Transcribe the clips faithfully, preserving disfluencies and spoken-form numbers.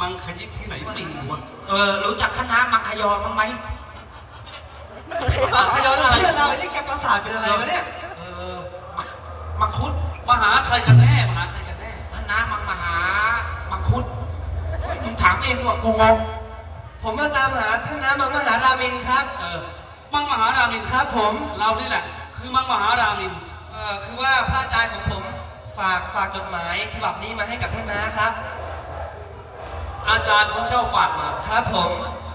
งขยิบที่ไหนไม่รู้วะเออรู้จักคณะมังคยอบ้างไหมมังคยอเพื่อนเราไอ้ที่แกประสาทเป็นอะไรวะเนี่ยเออมังคุดมหาชัยกันแน่มหาชัยกันแน่คณะมังมหามังคุดมึงถามเองว่ากูงงผมมาตามหาท่านน้ำมังมหารามินครับเออมังมหารามินครับผมเรานี่แหละคือมังมหารามินเออคือว่าพระอาจารย์ของผมฝากฝากจดหมายฉบับนี้มาให้กับท่านน้าครับอาจารย์ของเจ้าฝากมาครับผม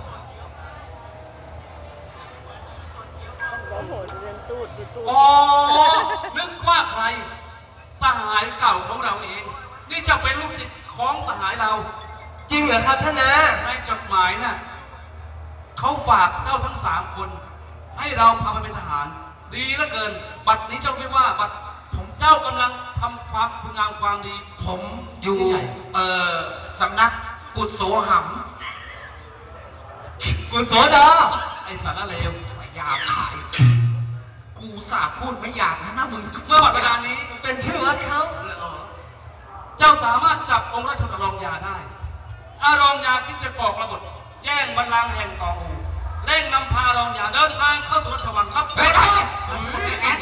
อ๋อนึกว่าใครสหายเก่าของเราเองนี่จะเป็นลูกศิษย์ของสหายเราจริงเหรอครับท่านน้าในจดหมายน่ะเขาฝากเจ้าทั้งสามคนให้เราพาไปเป็นทหารดีเหลือเกินบัดนี้เจ้าคิดว่าบัดผมเจ้ากำลังทำความคุณงามความดีผมอยู่เอ่อสำนักกุศโสหัมกุศโสดาไอสารเลวหยาบขายกูสาพูดไม่หยาบนะนะมึงเมื่อบัดเวลานี้เป็นชื่อวัดเขาเจ้าสามารถจับองค์ราชบุตรรองยาได้อารองยาที่จะก่อกระบฏแย่งบัลลังก์แห่งกองอูเร่งนำพารองยาเดินทางเข้าสู่ราชวังรับไปไป